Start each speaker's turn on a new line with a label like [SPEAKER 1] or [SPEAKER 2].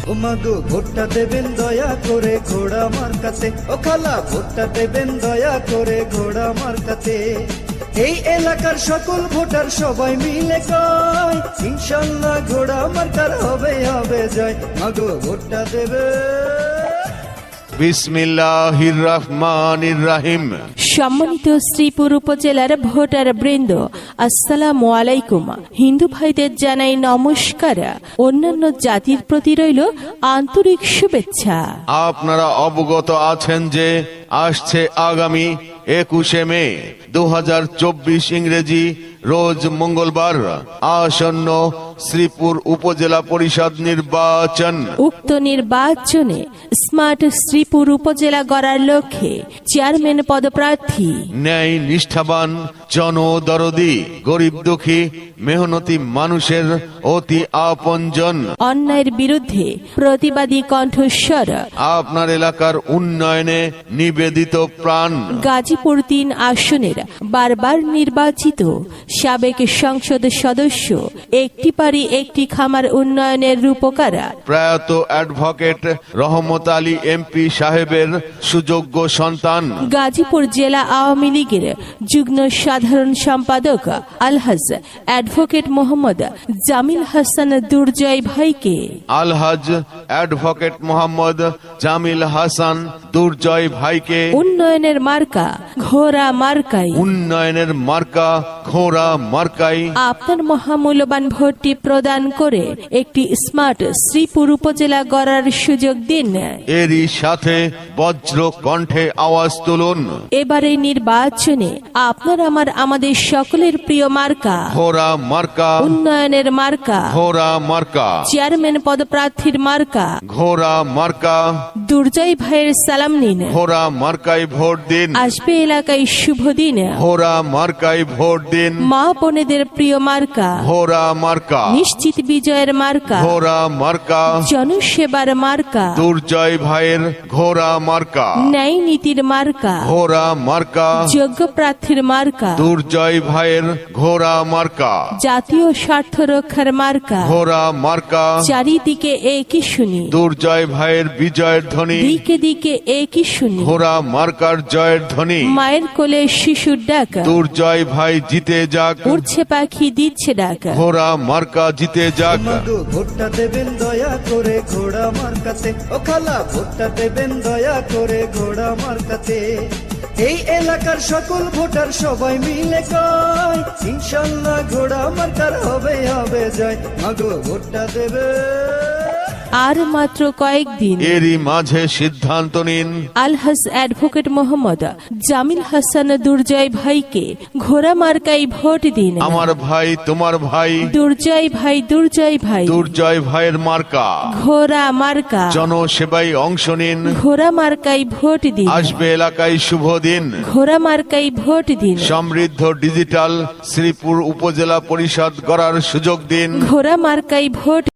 [SPEAKER 1] ওমাগো ভোটটা দেবেন দয়া করে ঘোড়া মার্কাতে, ও খালা ভোটটা দেবেন দয়া করে ঘোড়া মার্কাতে। এই এলাকার সকল ভোটার সবাই মিলে কয়, ইনশাল্লাহ ঘোড়া মার্কার হবে হবে জয়। মাগো ভোটটা দেবে।
[SPEAKER 2] বিসমিল্লাহির রহমানির রহিম।
[SPEAKER 3] সম্মানিত শ্রীপুর উপজেলার ভোটার বৃন্দ, আসসালামু আলাইকুম। হিন্দু ভাইদের জানাই নমস্কার, অন্যান্য জাতির প্রতি রইল আন্তরিক শুভেচ্ছা।
[SPEAKER 2] আপনারা অবগত আছেন যে আসছে আগামী 21শে মে 2024 ইংরেজি রোজ মঙ্গলবার আসন্ন শ্রীপুর উপজেলা পরিষদ নির্বাচন।
[SPEAKER 3] উক্ত নির্বাচনে স্মার্ট শ্রীপুর উপজেলা গড়ার লক্ষ্যে চেয়ারম্যান পদপ্রার্থী
[SPEAKER 2] ন্যায় নিষ্ঠাবান, জনদরদি, গরিব দুঃখী, মেহনতি মানুষের অতি আপনজন,
[SPEAKER 3] অন্যায়ের বিরুদ্ধে প্রতিবাদী কণ্ঠস্বর,
[SPEAKER 2] আপনার এলাকার উন্নয়নে নিবেদিত প্রাণ,
[SPEAKER 3] গাজীপুর 3 আসনের বারবার নির্বাচিত সাবেক সংসদ সদস্য, একটি পারি একটি খামার উন্নয়নের রূপকার
[SPEAKER 2] প্রয়াত অ্যাডভোকেট রহমত আলী এমপি সাহেবের সুযোগ্য সন্তান,
[SPEAKER 3] গাজীপুর জেলা আওয়ামী লীগের যুগ্ম সাধারণ সম্পাদক আলহাজ অ্যাডভোকেট মোহাম্মদ জামিল হাসান দুর্জয় ভাইকে,
[SPEAKER 2] আলহাজ অ্যাডভোকেট মোহাম্মদ জামিল হাসান দুর্জয় ভাইকে
[SPEAKER 3] উন্নয়নের মার্কা ঘোড়া মার্কাই,
[SPEAKER 2] উন্নয়নের মার্কা ঘোড়া মার্কাই
[SPEAKER 3] আপনার মহামূল্যবান ভোটটি প্রদান করে একটি স্মার্ট শ্রীপুর উপজেলা গড়ার সুযোগ দিন।
[SPEAKER 2] এরই সাথে বজ্র কণ্ঠে আওয়াজ তুলুন,
[SPEAKER 3] এবারে নির্বাচনে আপনার আমাদের সকলের প্রিয় মার্কা
[SPEAKER 2] ঘোড়া মার্কা,
[SPEAKER 3] উন্নয়নের মার্কা,
[SPEAKER 2] ঘোড়া মার্কা,
[SPEAKER 3] চেয়ারম্যান পদপ্রার্থীর মার্কা
[SPEAKER 2] ঘোড়া মার্কা,
[SPEAKER 3] দুর্জয় ভাইয়ের সালাম নিন।
[SPEAKER 2] ঘোড়া মার্কায় ভোট দিন,
[SPEAKER 3] আসবে এলাকায় শুভ দিন।
[SPEAKER 2] ঘোড়া মার্কায় ভোট দিন,
[SPEAKER 3] মা বোনেদের প্রিয় মার্কা
[SPEAKER 2] ঘোড়া মার্কা,
[SPEAKER 3] নিশ্চিত বিজয়ের মার্কা,
[SPEAKER 2] ঘোড়া মার্কা,
[SPEAKER 3] জনসেবার মার্কা,
[SPEAKER 2] দুর্জয় ভাইয়ের ঘোড়া মার্কা,
[SPEAKER 3] ন্যায় নীতির মার্কা,
[SPEAKER 2] ঘোড়া মার্কা,
[SPEAKER 3] যোগ্য প্রার্থীর মার্কা,
[SPEAKER 2] দুর্জয় ভাইয়ের ঘোড়া মার্কা,
[SPEAKER 3] জাতীয় স্বার্থ রক্ষার মার্কা,
[SPEAKER 2] ঘোড়া মার্কা,
[SPEAKER 3] চারিদিকে একই শুনি,
[SPEAKER 2] দুর্জয় ভাইয়ের বিজয়ের ধ্বনি,
[SPEAKER 3] দিকে দিকে একই শুনি,
[SPEAKER 2] ঘোড়া মার্কার জয়ের ধ্বনি,
[SPEAKER 3] মায়ের কোলে শিশুর ডাক,
[SPEAKER 2] দুর্জয় ভাই জিতে যাক,
[SPEAKER 3] উড়ছে পাখি দিচ্ছে ডাক,
[SPEAKER 2] ঘোড়া মার্কা জিতে যাক।
[SPEAKER 1] মাগো ভোটটা দেবেন দয়া করে ঘোড়া মার্কাতে, ও খালা ভোটটা দেবেন দয়া করে ঘোড়া মার্কাতে। এই এলাকার সকল ভোটার সবাই মিলে কয়, ইনশাল্লাহ ঘোড়া মার্কার হবে হবে জয়। মাগো ভোটটা দেবে।
[SPEAKER 3] আর মাত্র কয়েকদিন।
[SPEAKER 2] এরই মাঝে সিদ্ধান্ত নিন,
[SPEAKER 3] আলহাজ অ্যাডভোকেট মোহাম্মদ জামিল হাসান দুর্জয় ভাইকে ঘোড়া মার্কাই ভোট দিন।
[SPEAKER 2] আমার ভাই তোমার ভাই
[SPEAKER 3] দুর্জয় ভাই, দুর্জয় ভাই,
[SPEAKER 2] দুর্জয় ভাইয়ের মার্কা,
[SPEAKER 3] ঘোড়া মার্কা,
[SPEAKER 2] জনসেবায় অংশ নিন,
[SPEAKER 3] ঘোড়া মার্কাই ভোট দিন।
[SPEAKER 2] আসবে এলাকায় শুভ দিন,
[SPEAKER 3] ঘোড়া মার্কাই ভোট দিন।
[SPEAKER 2] সমৃদ্ধ ডিজিটাল শ্রীপুর উপজেলা পরিষদ গড়ার সুযোগ দিন।
[SPEAKER 3] ঘোড়া মার্কাই ভোট